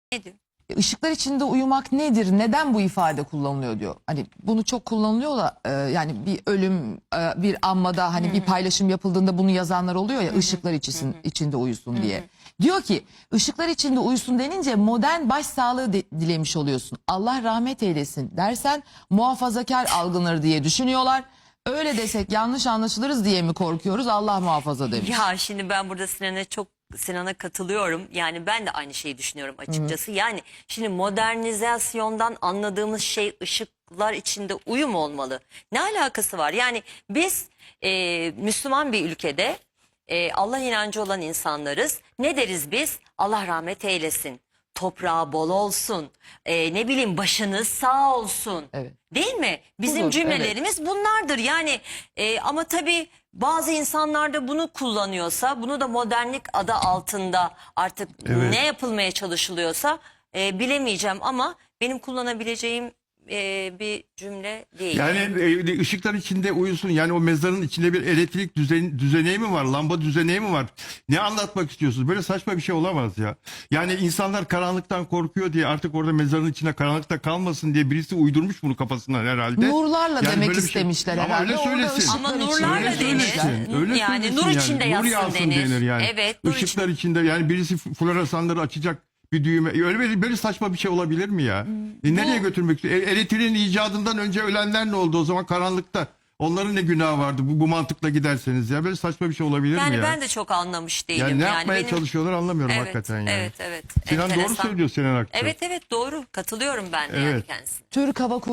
Ne diyor? Işıklar içinde uyumak nedir? Neden bu ifade kullanılıyor diyor. Hani bunu çok kullanılıyor da yani bir ölüm, bir anmada hani bir paylaşım yapıldığında bunu yazanlar oluyor ya, ışıklar içinde uyusun diye. Diyor ki ışıklar içinde uyusun denince modern başsağlığı dilemiş oluyorsun. Allah rahmet eylesin dersen muhafazakar algılanır diye düşünüyorlar. Öyle desek yanlış anlaşılırız diye mi korkuyoruz? Allah muhafaza demiş. Ya şimdi ben burada Sinan'a katılıyorum. Yani ben de aynı şeyi düşünüyorum açıkçası. Yani şimdi modernizasyondan anladığımız şey ışıklar içinde uyum olmalı. Ne alakası var? Yani biz Müslüman bir ülkede Allah inancı olan insanlarız. Ne deriz biz? Allah rahmet eylesin. Toprağı bol olsun. Ne bileyim başınız sağ olsun. Evet. Değil mi? Bizim Budur, cümlelerimiz bunlardır. Yani ama tabii bazı insanlar da bunu kullanıyorsa, bunu da modernlik adı altında artık ne yapılmaya çalışılıyorsa bilemeyeceğim ama benim kullanabileceğim bir cümle değil. Yani ışıklar içinde uyusun. Yani o mezarın içinde bir elektrik düzeneği mi var? Lamba düzeneği mi var? Ne anlatmak istiyorsunuz? Böyle saçma bir şey olamaz ya. Yani insanlar karanlıktan korkuyor diye artık orada mezarın içinde karanlıkta kalmasın diye birisi uydurmuş bunu kafasından herhalde. Nurlarla Yani demek böyle bir istemişler Ama herhalde. öyle Orada söylesin. ışıklar Ama içinde nurlarla Öyle denir. söylesin. Öyle Yani söylesin nur içinde Nur yatsın denir. yani. Evet, nur Işıklar içinde yani birisi floresanları açacak bir düğme. Böyle saçma bir şey olabilir mi ya? Nereye götürmek istiyor? Elektriğin icadından önce ölenler ne oldu o zaman karanlıkta? Onların ne günahı vardı bu mantıkla giderseniz ya? Böyle saçma bir şey olabilir mi ya? Yani ben de çok anlamış değilim. Yani ne yapmaya benim... çalışıyorlar anlamıyorum Evet, hakikaten yani. evet. Sinan doğru Enteresan. söylüyor Sinan Akçıl. Evet doğru. Katılıyorum ben de yani Evet. kendisine. Türk Hava